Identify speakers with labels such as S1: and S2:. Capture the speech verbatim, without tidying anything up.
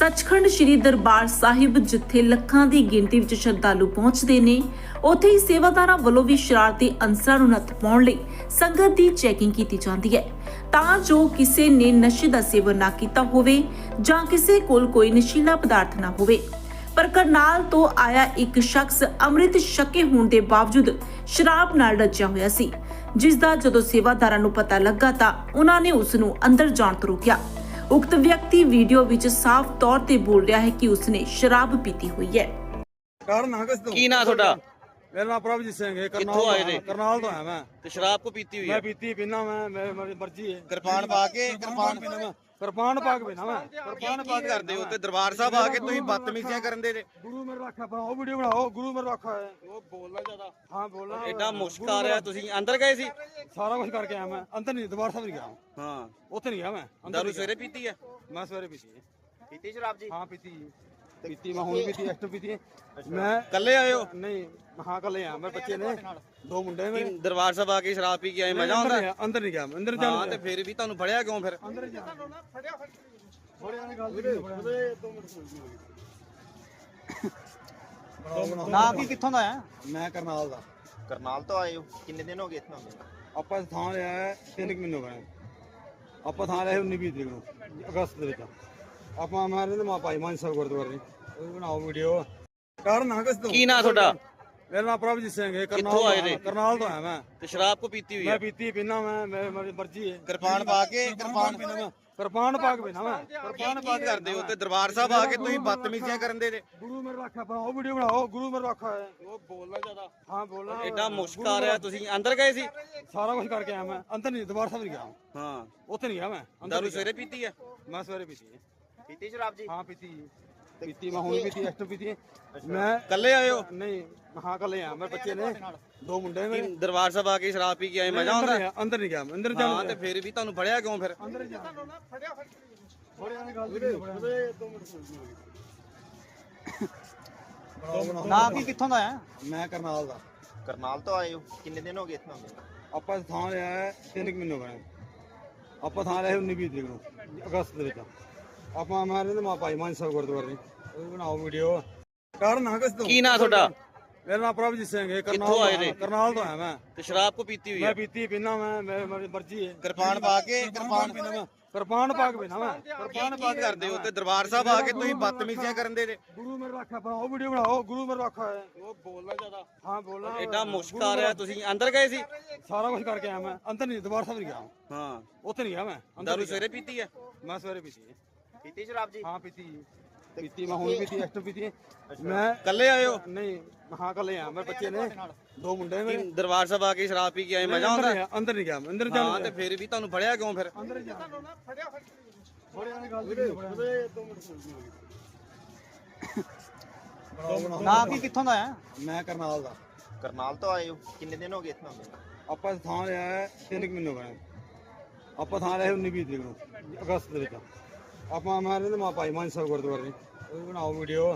S1: ਸੱਚਖੰਡ ਸ੍ਰੀ ਦਰਬਾਰ ਸਾਹਿਬ ਜਿੱਥੇ ਲੱਖਾਂ ਦੀ ਗਿਣਤੀ ਵਿੱਚ ਸ਼ਰਧਾਲੂ ਪਹੁੰਚਦੇ ਨੇ, ਉੱਥੇ ਹੀ ਸੇਵਾਦਾਰਾਂ ਵੱਲੋਂ ਵੀ ਸ਼ਰਾਰਤੀ ਅਨਸਰਾਂ ਨੂੰ ਨੱਥ ਪਾਉਣ ਲਈ ਸੰਗਤ ਦੀ ਚੈਕਿੰਗ ਕੀਤੀ ਜਾਂਦੀ ਹੈ ਤਾਂ ਜੋ ਕਿਸੇ ਨੇ ਨਸ਼ੇ ਦਾ ਸੇਵਨ ਨਾ ਕੀਤਾ ਹੋਵੇ ਜਾਂ ਕਿਸੇ ਕੋਲ ਕੋਈ ਨਸ਼ੀਲਾ ਪਦਾਰਥ ਨਾ ਹੋਵੇ। ਪਰ ਕਰਨਾਲ ਤੋਂ ਆਇਆ ਇੱਕ ਸ਼ਖਸ ਅੰਮ੍ਰਿਤ ਛਕੇ ਹੋਣ ਦੇ ਬਾਵਜੂਦ ਸ਼ਰਾਬ ਨਾਲ ਰੱਜਿਆ ਹੋਇਆ ਸੀ, ਜਿਸ ਦਾ ਜਦੋਂ ਸੇਵਾਦਾਰਾਂ ਨੂੰ ਪਤਾ ਲੱਗਾ ਤਾਂ ਉਹਨਾਂ ਨੇ ਉਸ ਨੂੰ ਅੰਦਰ ਜਾਣ ਤੋਂ ਰੋਕਿਆ। ਉਕਤ ਵਿਅਕਤੀ ਵੀਡੀਓ ਵਿੱਚ ਸਾਫ਼ ਤੌਰ ਤੇ ਬੋਲ ਰਿਹਾ ਹੈ ਕਿ ਉਸਨੇ ਸ਼ਰਾਬ ਪੀਤੀ ਹੋਈ ਹੈ।
S2: ਕਾਰਨ ਹਾਂ ਕਿਸ ਤੋਂ
S3: ਕੀ ਨਾਂ ਤੁਹਾਡਾ?
S2: ਮੇਰਾ ਨਾਮ ਪ੍ਰਭਜੀਤ ਸਿੰਘ ਹੈ।
S3: ਕਿੱਥੋਂ ਆਏ ਨੇ?
S2: ਕਰਨਾਲ ਤੋਂ ਆਇਆ ਮੈਂ।
S3: ਤੇ ਸ਼ਰਾਬ ਕੋ ਪੀਤੀ ਹੋਈ
S2: ਮੈਂ
S3: ਹੈ?
S2: ਪੀਤੀ ਪੀਣਾ ਮੈਂ ਮੇਰੀ ਮਰਜ਼ੀ ਹੈ।
S3: ਕਿਰਪਾਨ ਪਾ ਕੇ ਕਿਰਪਾਨ
S2: ਪੀਣਾ ਮੈਂ ਕਿਰਪਾਨ ਪਾ ਕੇ ਪੀਣਾ ਮੈਂ
S3: ਕਿਰਪਾਨ ਪਾ ਕਰਦੇ ਹੋ ਤੇ ਦਰਬਾਰ ਸਾਹਿਬ ਆ ਕੇ ਤੁਸੀਂ ਬਦਤਮੀਜ਼ੀਆਂ ਕਰਨ ਦੇ ਜੇ।
S2: ਗੁਰੂ ਮੇਰੇ ਰੱਖਾ ਬਣਾਓ, ਵੀਡੀਓ ਬਣਾਓ। ਗੁਰੂ ਮੇਰੇ ਰੱਖਾ ਹੈ।
S3: ਉਹ ਬੋਲਣਾ ਜ਼ਿਆਦਾ।
S2: ਹਾਂ ਬੋਲਣਾ।
S3: ਐਡਾ ਮੁਸ਼ਕ ਆ ਰਿਹਾ। ਤੁਸੀਂ ਅੰਦਰ ਗਏ ਸੀ?
S2: ਸਾਰਾ ਕੁਝ ਕਰਕੇ ਆਇਆ ਮੈਂ। ਅੰਦਰ ਨਹੀਂ, ਦਰਬਾਰ ਸਾਹਿਬ ਨਹੀਂ ਗਿਆ।
S3: ਹਾਂ,
S2: ਉੱਥੇ ਨਹੀਂ ਗਿਆ ਮੈਂ।
S3: ਦਾਰੂ ਸਵੇਰੇ ਪੀਤੀ ਹੈ?
S2: ਮੈਂ ਸਵੇਰੇ ਪੀਤੀ ਹੈ।
S3: ਪੀਤੀ ਸ਼ਰਾਬ ਜੀ?
S2: ਹਾਂ ਪੀਤੀ ਪੀਤੀ ਮੈਂ ਹੁਣ ਪੀਤੀ, ਐਕਟਰ ਪੀਤੀ। ਮੈਂ
S3: ਇਕੱਲੇ ਆਏ ਹੋ?
S2: ਨਹੀਂ, ਹਾਂ ਕੱਲੇ ਆ। ਮੇਰੇ ਬੱਚੇ ਨੇ ਦੋ ਮੁੰਡੇ ਨੇ।
S3: ਦਰਬਾਰ ਸਾਹਿਬ ਆ ਕੇ ਸ਼ਰਾਬ ਪੀ ਕੇ ਆਏ, ਮਜ਼ਾ ਆਉਂਦਾ?
S2: ਅੰਦਰ ਨਹੀਂ ਗਿਆ ਮੈਂ। ਅੰਦਰ
S3: ਹਾਂ, ਤੇ ਫਿਰ ਵੀ ਤੁਹਾਨੂੰ ਫੜਿਆ ਕਿਉਂ ਫਿਰ?
S2: ਅੰਦਰ ਜਾ ਫੜਿਆ ਫੜਿਆ ਨੇ ਗੱਲ ਨਹੀਂ ਫੜਿਆ। ਦੋ ਮਿੰਟ
S4: ਨਾ ਕੀ ਕਿੱਥੋਂ ਦਾ ਹੈ?
S2: ਮੈਂ ਕਰਨਾਲ ਦਾ।
S4: ਕਰਨਾਲ ਤੋਂ ਆਏ ਹੋ? ਕਿੰਨੇ ਦਿਨ ਹੋ ਗਏ ਇੱਥੋਂ?
S2: ਆਪਾਂ ਥਾਂ ਲਿਆ ਹੈ ਤਿੰਨ ਕੁ ਮਹੀਨੇ ਹੋ ਗਏ। ਆਪਾਂ ਥਾਂ ਲਿਆ ਉੱਨੀ ਵੀਹ ਤਰੀਕ ਨੂੰ, ਅਗਸਤ ਦੇ ਵਿੱਚ। ਆਪਾਂ ਮੈਂ ਰਹਿੰਦੇ ਮਾ ਭਾਈ ਮਾਨ ਸਾਹਿਬ ਗੁਰਦੁਆਰੇ। ਉਹ ਵੀ ਬਣਾਓ ਵੀਡੀਓ। ਕਾਰਨ ਹਾਂ ਕਿਸ ਤੋਂ?
S3: ਕੀ ਨਾਂ ਤੁਹਾਡਾ?
S2: ਮੇਰਾ ਨਾਮ ਪ੍ਰਭਜੀਤ ਸਿੰਘ ਹੈ।
S3: ਕਿੱਥੋਂ ਆਏ ਨੇ?
S2: ਕਰਨਾਲ ਤੋਂ ਆਇਆ ਮੈਂ।
S3: ਤੇ ਸ਼ਰਾਬ ਕੋ ਪੀਤੀ ਹੋਈ
S2: ਮੈਂ
S3: ਹੈ?
S2: ਪੀਤੀ ਪੀਣਾ ਮੈਂ ਮੇਰੀ ਮਰਜ਼ੀ ਹੈ।
S3: ਕਿਰਪਾਨ ਪਾ ਕੇ ਕਿਰਪਾਨ
S2: ਪੀਣਾ ਮੈਂ ਕਿਰਪਾਨ ਪਾ ਕੇ ਪੀਣਾ ਮੈਂ
S3: ਕਿਰਪਾਨ ਪਾ ਕਰਦੇ ਹੋ ਤੇ ਦਰਬਾਰ ਸਾਹਿਬ ਆ ਕੇ ਤੁਸੀਂ ਬਦਤਮੀਜ਼ੀਆਂ ਕਰਨ ਦੇ ਜੇ।
S2: ਗੁਰੂ ਮੇਰੇ ਰੱਖਾ ਬਣਾਓ, ਵੀਡੀਓ ਬਣਾਓ। ਗੁਰੂ ਮੇਰੇ ਰੱਖਾ ਹੈ।
S3: ਉਹ ਬੋਲਣਾ ਜ਼ਿਆਦਾ।
S2: ਹਾਂ ਬੋਲਣਾ।
S3: ਐਡਾ ਮੁਸ਼ਕ ਆ ਰਿਹਾ। ਤੁਸੀਂ ਅੰਦਰ ਗਏ ਸੀ?
S2: ਸਾਰਾ ਕੁਝ ਕਰਕੇ ਆਇਆ ਮੈਂ। ਅੰਦਰ ਨਹੀਂ, ਦਰਬਾਰ ਸਾਹਿਬ ਨਹੀਂ ਗਿਆ।
S3: ਹਾਂ,
S2: ਉੱਥੇ ਨਹੀਂ ਗਿਆ ਮੈਂ।
S3: ਦਾਰੂ ਸਵੇਰੇ ਪੀਤੀ ਹੈ?
S2: ਮੈਂ ਸਵੇਰੇ ਪੀਤੀ ਹੈ।
S4: ਪੀਤੀ ਸ਼ਰਾਬ ਜੀ?
S2: ਹਾਂ ਪੀਤੀ ਪੀਤੀ ਮੈਂ ਹੁਣ ਪੀਤੀ, ਐਕਟਰ ਪੀਤੀ। ਮੈਂ
S3: ਇਕੱਲੇ ਆਏ ਹੋ?
S2: ਨਹੀਂ, ਹਾਂ ਕੱਲੇ ਆ। ਮੇਰੇ ਬੱਚੇ ਨੇ ਦੋ ਮੁੰਡੇ ਨੇ।
S3: ਦਰਬਾਰ ਸਾਹਿਬ ਆ ਕੇ ਸ਼ਰਾਬ ਪੀ ਕੇ ਆਏ, ਮਜ਼ਾ ਆਉਂਦਾ?
S2: ਅੰਦਰ ਨਹੀਂ ਗਿਆ ਮੈਂ। ਅੰਦਰ
S3: ਹਾਂ,
S2: ਜਾ
S3: ਤੇ ਫਿਰ ਵੀ ਤੁਹਾਨੂੰ ਫੜਿਆ ਕਿਉਂ ਫਿਰ?
S2: ਅੰਦਰ ਜਾ ਫੜਿਆ ਫੜਿਆ ਨੇ ਗੱਲ ਨਹੀਂ ਫੜਿਆ। ਦੋ ਮਿੰਟ
S4: ਨਾ ਕੀ ਕਿੱਥੋਂ ਦਾ ਹੈ?
S2: ਮੈਂ ਕਰਨਾਲ ਦਾ।
S4: ਕਰਨਾਲ ਤੋਂ ਆਏ ਹੋ? ਕਿੰਨੇ ਦਿਨ ਹੋ ਗਏ ਇੱਥੋਂ?
S2: ਆਪਾਂ ਥਾਂ ਲਿਆ ਹੈ ਤਿੰਨ ਕੁ ਮਹੀਨੇ ਹੋ ਗਏ। ਆਪਾਂ ਥਾਂ ਲਿਆ ਉੱਨੀ ਵੀਹ ਤਰੀਕ ਨੂੰ, ਅਗਸਤ ਦੇ ਵਿੱਚ। ਆਪਾਂ ਮੈਂ ਰਹਿੰਦੇ ਮਾ ਭਾਈ ਮਾਨ ਸਾਹਿਬ ਗੁਰਦੁਆਰੇ। ਉਹ ਵੀ ਬਣਾਓ ਵੀਡੀਓ। ਕਾਰਨ ਹਾਂ ਕਿਸ ਤੋਂ?
S3: ਕੀ ਨਾਂ ਤੁਹਾਡਾ?
S2: ਮੇਰਾ ਨਾਮ ਪ੍ਰਭਜੀਤ ਸਿੰਘ ਹੈ।
S3: ਕਿੱਥੋਂ ਆਏ ਨੇ?
S2: ਕਰਨਾਲ ਤੋਂ ਆਇਆ ਮੈਂ।
S3: ਤੇ ਸ਼ਰਾਬ ਕੋ ਪੀਤੀ ਹੋਈ
S2: ਮੈਂ
S3: ਹੈ?
S2: ਪੀਤੀ ਪੀਣਾ ਮੈਂ ਮੇਰੀ ਮਰਜ਼ੀ ਹੈ।
S3: ਕਿਰਪਾਨ ਪਾ ਕੇ
S2: ਕਿਰਪਾਨ ਪੀਣਾ ਮੈਂ ਕਿਰਪਾਨ ਪਾ ਕੇ ਪੀਣਾ ਮੈਂ
S3: ਕਿਰਪਾਨ ਪਾ ਕਰਦੇ ਹੋ ਤੇ ਦਰਬਾਰ ਸਾਹਿਬ ਆ ਕੇ ਤੁਸੀਂ ਬਦਤਮੀਜ਼ੀਆਂ ਕਰਨ ਦੇ ਜੇ।
S2: ਗੁਰੂ ਮੇਰੇ ਰੱਖਾ ਬਣਾਓ, ਵੀਡੀਓ ਬਣਾਓ। ਗੁਰੂ ਮੇਰੇ ਰੱਖਾ ਹੈ।
S3: ਉਹ ਬੋਲਣਾ ਜ਼ਿਆਦਾ।
S2: ਹਾਂ ਬੋਲਣਾ।
S3: ਐਡਾ ਮੁਸ਼ਕ ਆ ਰਿਹਾ। ਤੁਸੀਂ ਅੰਦਰ ਗਏ ਸੀ?
S2: ਸਾਰਾ ਕੁਝ ਕਰਕੇ ਆਇਆ ਮੈਂ। ਅੰਦਰ ਨਹੀਂ, ਦਰਬਾਰ ਸਾਹਿਬ ਨਹੀਂ ਗਿਆ।
S3: ਹਾਂ,
S2: ਉੱਥੇ ਨਹੀਂ ਗਿਆ ਮੈਂ।
S3: ਦਾਰੂ ਸਵੇਰੇ ਪੀਤੀ ਹੈ?
S2: ਮੈਂ ਸਵੇਰੇ ਪੀਤੀ ਹੈ।
S4: ਪੀਤੀ ਸ਼ਰਾਬ ਜੀ?
S2: ਹਾਂ ਪੀਤੀ ਪੀਤੀ ਮੈਂ ਹੁਣ ਪੀਤੀ, ਐਕਟਰ ਪੀਤੀ। ਮੈਂ
S3: ਇਕੱਲੇ ਆਏ ਹੋ?
S2: ਨਹੀਂ, ਹਾਂ ਕੱਲੇ ਆ। ਮੇਰੇ ਬੱਚੇ ਨੇ ਦੋ ਮੁੰਡੇ ਨੇ।
S3: ਦਰਬਾਰ ਸਾਹਿਬ ਆ ਕੇ ਸ਼ਰਾਬ ਪੀ ਕੇ ਆਏ, ਮਜ਼ਾ ਆਉਂਦਾ?
S2: ਅੰਦਰ ਨਹੀਂ ਗਿਆ ਮੈਂ। ਅੰਦਰ
S3: ਹਾਂ, ਤੇ ਫਿਰ ਵੀ ਤੁਹਾਨੂੰ ਫੜਿਆ ਕਿਉਂ ਫਿਰ?
S2: ਅੰਦਰ ਜਾ ਫੜਿਆ ਫੜਿਆ ਨੇ ਗੱਲ ਨਹੀਂ ਫੜਿਆ। ਦੋ ਮਿੰਟ
S4: ਨਾ ਕੀ ਕਿੱਥੋਂ ਦਾ ਹੈ?
S2: ਮੈਂ ਕਰਨਾਲ ਦਾ।
S4: ਕਰਨਾਲ ਤੋਂ ਆਏ ਹੋ? ਕਿੰਨੇ ਦਿਨ ਹੋ ਗਏ ਇੱਥੋਂ?
S2: ਆਪਾਂ ਥਾਂ ਲਿਆ ਹੈ ਤਿੰਨ ਕੁ ਮਹੀਨੇ ਹੋ ਗਏ। ਆਪਾਂ ਥਾਂ ਲਿਆ ਉੱਨੀ ਵੀਹ ਤਰੀਕ ਨੂੰ, ਅਗਸਤ ਦੇ ਵਿੱਚ। ਆਪਾਂ ਮੈਂ ਰਹਿੰਦੇ ਮਾ ਭਾਈ ਮਾਨ ਸਾਹਿਬ ਗੁਰਦੁਆਰੇ। ਉਹ ਵੀ ਬਣਾਓ ਵੀਡੀਓ।